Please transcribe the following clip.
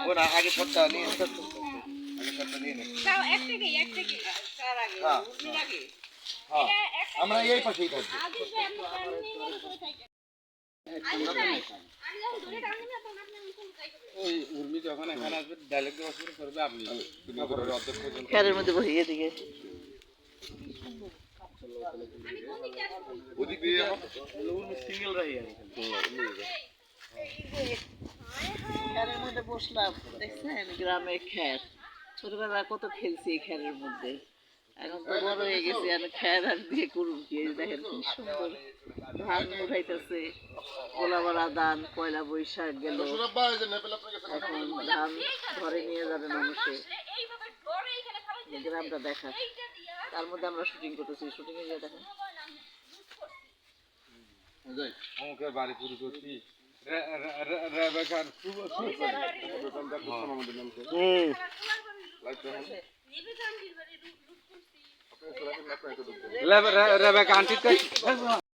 না আগে শটটা নিয়ে আগে শটটা নিয়ে নে দাও এক থেকে তার আগে উনি আগে হ্যাঁ আমরা এই পাশেই থাকব আদি ভাই আপনি কারণ নিয়ে করে থাকেন আদি ভাই আমি যখন দূরে টানি না তখন আপনি কোন কাজ করবেন ওই উর্মি যখন এখানে আসবে ডায়লগ দেওয়া শুরু করবে আপনি নগরের অধ্যক্ষ পর্যন্ত খেরের মধ্যে বসিয়ে দিকে ওদিক দিয়ে সিঙ্গেল রাই আর খেরের মধ্যে বসলাম দেখছেন গ্রামে খের ছোটবেলা কত খেলছি এই খেরের মধ্যে এখন তো বড় হয়ে গেছে আর খের আর দিয়ে করুন কি দেখেন কি সুন্দর ধান উঠাইতেছে গোলাবাড়া ধান পয়লা বৈশাখ গেল এখন ধান ঘরে নিয়ে যাবে মানুষে গ্রামটা দেখা তার মধ্যে আমরা শুটিং করতেছি শুটিং এ গিয়ে দেখেন আমাদের বাড়ি পুরো করছি রেবেকার খুব রেবেকা আন্টি